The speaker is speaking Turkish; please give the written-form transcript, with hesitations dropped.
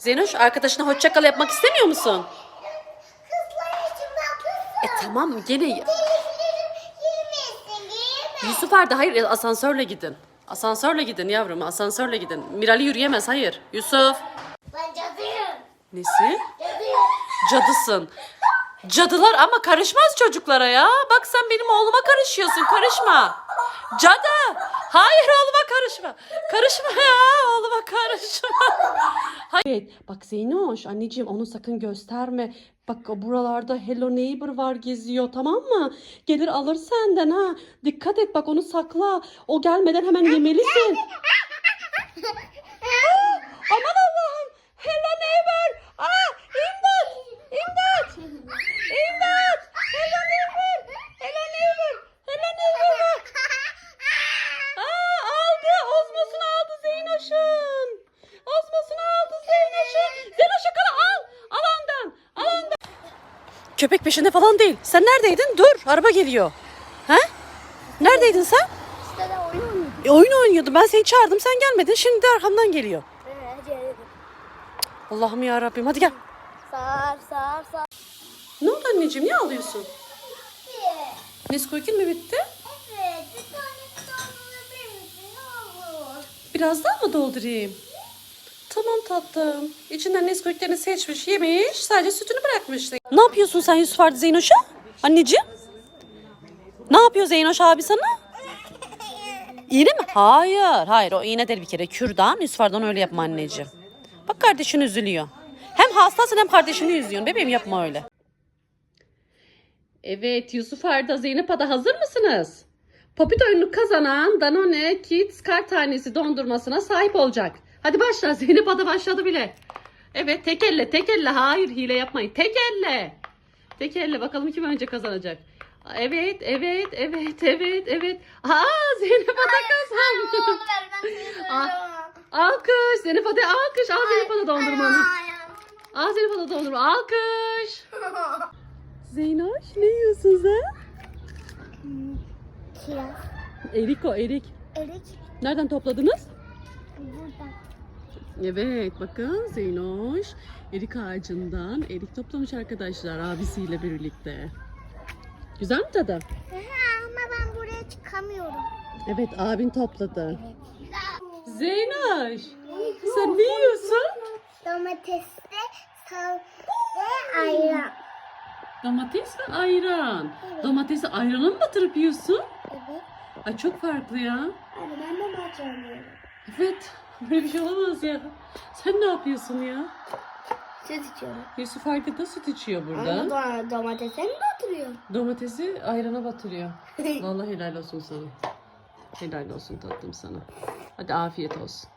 Zeynoş, arkadaşına hoşça kal yapmak istemiyor musun? Kızlar için bakılsın. Tamam gene. Teliflerim girmesin. Yusuf Arda, hayır, asansörle gidin. Asansörle gidin yavrum, asansörle gidin. Mirali yürüyemez, hayır. Yusuf. Ben cadıyım. Nesi? Cadıyım. Cadısın. Cadılar ama karışmaz çocuklara ya. Bak sen benim oğluma karışıyorsun, karışma. Cadı. Hayır, oğluma karışma. Karışma ya, oğluma karışma. Hayır. Bak Zeynoş, anneciğim onu sakın gösterme. Bak buralarda Hello Neighbor var, geziyor, tamam mı? Gelir alır senden ha. Dikkat et, bak onu sakla. O gelmeden hemen yemelisin. Aman Allah'ım. Hello Neighbor. İmdat. İmdat. İmdat. Hello Neighbor. Hello Neighbor. Hello Neighbor. Aldı. Ozmosunu aldı Zeynoş'un. Ozmosunu aldı Zeynoş'un. Zeynoş yakala, al. Al ondan. Al ondan. Köpek peşinde falan değil. Sen neredeydin? Dur. Araba geliyor. He? Neredeydin sen? İşte de oyun oynuyorum. Oyun oynuyordum. Ben seni çağırdım. Sen gelmedin. Şimdi de arkamdan geliyor. Allah'ım ya Rabbim. Hadi gel. Sar. Ne oldu anneciğim? Niye ağlıyorsun? Nesquik'in mi bitti? Evet. Bir tane doldurabilir misin? Ne olur. Biraz daha mı doldurayım? Tamam tatlım. İçinden Nesquik'lerini seçmiş, yemiş. Sadece sütünü bırakmış. Ne yapıyorsun sen Yusuf Arda Zeynoş'a? Anneciğim? Ne yapıyor Zeynoş abi sana? İğne mi? Hayır. Hayır, o iğne değil bir kere. Kürdan. Yusuf Arda'dan öyle yapma anneciğim. Bak kardeşin üzülüyor. Hem hastasın hem kardeşini üzüyorsun. Bebeğim yapma öyle. Evet, Yusuf Arda, Zeynep Ada, hazır mısınız? Popit oyununu kazanan Danone Kids kar tanesi dondurmasına sahip olacak. Hadi başla. Zeynep Ada başladı bile. Evet, tek elle. Hayır, hile yapmayın. Tek elle. Tek elle, bakalım kim önce kazanacak. Evet. Zeynep Ada kazandı. Alkış. Zeynep Ada alkış. Al Zeynep Ada dondurmanı. Al Zeynep Ada dondurma. Alkış. Zeynoş, ne yiyorsun sen? Kiraz. Erik o, erik. Erik. Nereden topladınız? Buradan. Evet, bakın Zeynoş erik ağacından erik toplamış arkadaşlar abisiyle birlikte. Güzel mi tadı? Ama ben buraya çıkamıyorum. Evet, abin topladı. Zeynoş, sen ne yiyorsun? Domatesli sal ve ayran. Domates ve ayran. Domatesi ayrana mı batırıp yiyorsun? Evet. Ay çok farklı ya. Hadi ben de maç oynuyorum. Evet, böyle bir şey olamaz ya. Sen ne yapıyorsun ya? Süt içiyorum. Yusuf Arda da süt içiyor burada. Ama domatese mi batırıyor? Domatesi ayrana batırıyor. Vallahi helal olsun sana. Helal olsun tatlım sana. Hadi afiyet olsun.